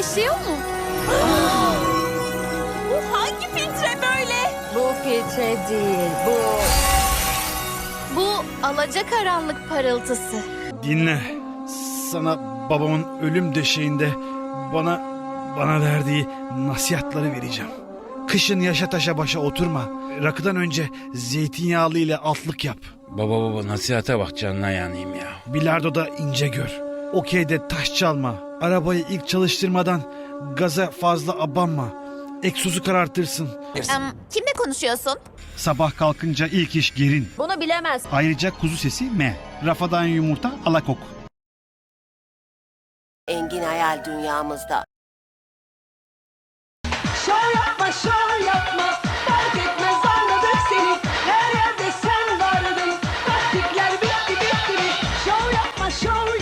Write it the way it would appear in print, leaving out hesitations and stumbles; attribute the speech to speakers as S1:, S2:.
S1: yaşıyor mu?
S2: Bu hangi filtre böyle?
S3: Bu filtre değil, bu...
S1: Bu alacakaranlık parıltısı.
S4: Dinle. Sana babamın ölüm döşeğinde bana verdiği nasihatları vereceğim. Kışın yaşa taşa başa oturma. Rakıdan önce zeytinyağlı ile altlık yap.
S5: Baba nasihate bak, canına yanayım ya.
S4: Bilardoda ince gör. Okeyde taş çalma. Arabayı ilk çalıştırmadan gaza fazla abanma. Egzozu karartırsın.
S2: Kimle konuşuyorsun?
S4: Sabah kalkınca ilk iş gerin.
S3: Bunu bilemez.
S4: Ayrıca kuzu sesi me. Rafadan yumurta alakok.
S6: Engin hayal dünyamızda.
S7: Şov yapma, şov yapma. Fark etmez, anladık seni. Her yerde sen vardın. Taktikler bitti bitti mi? Şov yapma, şov